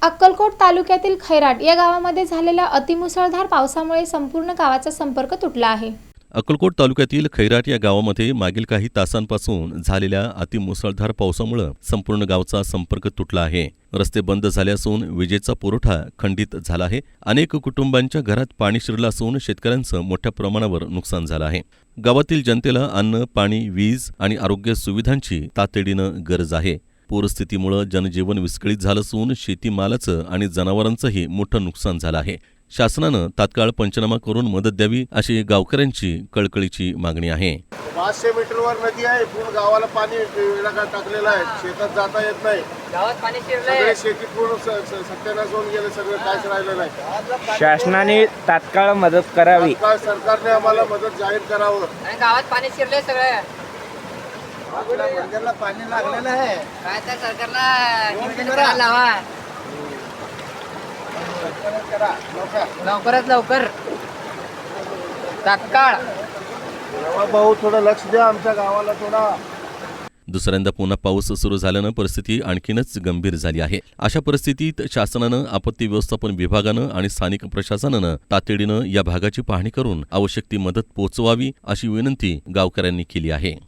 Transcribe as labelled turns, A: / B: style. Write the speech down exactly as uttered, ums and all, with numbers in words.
A: अक्कलकोट तालुक्यातील खैराट या गावामध्ये झालेल्या अतिमुसळधार पावसामुळे संपूर्ण गावाचा संपर्क तुटला आहे।
B: अक्कलकोट तालुक्यातील खैराट या गावामध्ये मागील काही तासांपासून झालेल्या अतिमुसळधार पावसामुळे संपूर्ण गावचा संपर्क तुटला आहे। रस्ते बंद झाले असून विजेचा पुरवठा खंडित झाला आहे। अनेक कुटुंबांच्या घरात पाणी शिरलं असून शेतकऱ्यांचं मोठ्या प्रमाणावर नुकसान झालं आहे। गावातील जनतेला अन्न, पाणी, वीज आणि आरोग्य सुविधांची तातडीनं गरज आहे। पूरस्थितीमुळे जनजीवन विस्कळीत झालं असून शेतीमालाचं आणि जनावरांचंही मोठं नुकसान झालं आहे। शासनानं तात्काळ पंचनामा करून मदत द्यावी अशी गावकऱ्यांची कळकळीची मागणी आहे।
C: पाचशे मीटरवर नदी आहे, पूर्ण गावाला पाणी टाकलेलं आहे, शेतात जाता येत नाही,
D: गावात पाणी शिरलंय,
C: शेती पूर्ण सत्यानाश होऊन गेले, सगळं काहीच राहिलं नाही।
E: शासनाने तात्काळ मदत करावी,
C: तात्काळ सरकारने आम्हाला मदत जाहीर करावं।
D: आणि गावात पाणी शिरलंय सगळं,
C: आपल्याला पाणी लागलेलं आहे,
D: काय तर सरकारला निवेदन करायला लावा, लवकरात लवकर तात्काळ
C: भाऊ थोडं लक्ष द्या आमच्या गावाला थोडा।
B: दुसऱ्यांदा पुन्हा पाऊस सुरू झाल्यानं परिस्थिती आणखीनच गंभीर झाली आहे। अशा परिस्थितीत शासनानं, आपत्ती व्यवस्थापन विभागानं आणि स्थानिक प्रशासनानं तातडीनं या भागाची पाहणी करून आवश्यक ती मदत पोहोचवावी अशी विनंती गावकऱ्यांनी केली आहे।